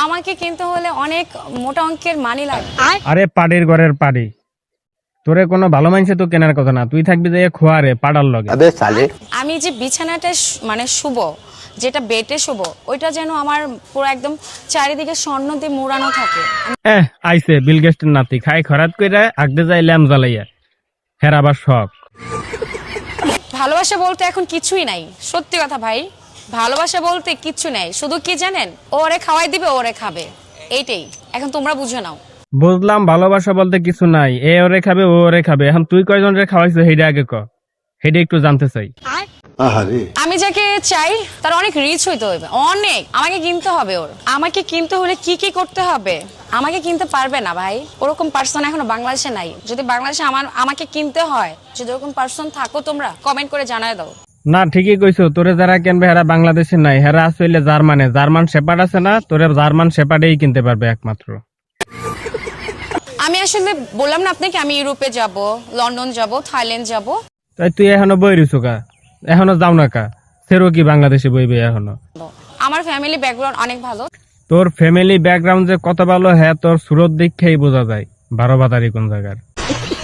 আমাকে কিনতে হলে অনেক মোটা অঙ্কের মানি লাগবে। আরে পাড়ির ঘরের পাড়ি, তোরে কোনো ভালো মানুষে তো কেনার কথা না, তুই থাকবি যে খোয়ারে পাড়ার লগে। আমি যে বিছানাটা মানে শুভ, যেটা বেটে শুভ, ওইটা যেন আমার পুরো একদম চারিদিকে স্বর্ণ দিয়ে মোড়ানো থাকে। আইছে বিল গেস্টের নাতি, খাই খরাত কইরা আগদে যাই ল্যাম জ্বালাইয়া, হের আবার শখ। ভালোবাসা বলতে এখন কিছুই নাই, সত্যি কথা ভাই। ভালোবাসা বলতে কিচ্ছু নাই, শুধু কি জানেন, ওরে খাওয়াই দিবে, ওরে খাবে, এইটাই। এখন তোমরা বুঝে নাও। বুঝলাম ভালোবাসা বলতে কিছু নাই, এ ওরে খাবে ও ওরে খাবে। এখন তুই কয়জন রে খাওয়াইছো হেডে আগে ক, হেডে একটু জানতে চাই। আমি যাকে চাই তার অনেক রিচ হইতে হবে, অনেক। আমাকে কিনতে হবে ওর। আমাকে কিনতে হলে কি কি করতে হবে? আমাকে কিনতে পারবে না ভাই, ওরকম পার্সন এখনো বাংলাদেশে নাই। যদি বাংলাদেশে আমাকে কিনতে হয়, যদি ওরকম পার্সন থাকো, তোমরা কমেন্ট করে জানায় দাও। না ঠিকই কইছো, তোরে যারা কিনবে হেরা বাংলাদেশে নাই, হেরা আসলে জার্মানে। জার্মান শেপার্ড আছে না, তোরে জার্মান শেপার্ডেই কিনতে পারবে একমাত্র। আমি আসলে বললাম না আপনাকে, আমি ইউরোপে যাব, লন্ডন যাব, থাইল্যান্ড যাব। তাই তুই এখনো বই রইছো কা? এখনো যাও না কা? সেরো কি বাংলাদেশে বইবে এখনো? আমার ফ্যামিলি ব্যাকগ্রাউন্ড অনেক ভালো। তোর ফ্যামিলি ব্যাকগ্রাউন্ড যে কত ভালো, হ্যাঁ তোর সুরত দেখেই বোঝা যায় 12 বাতারি কোন জায়গার।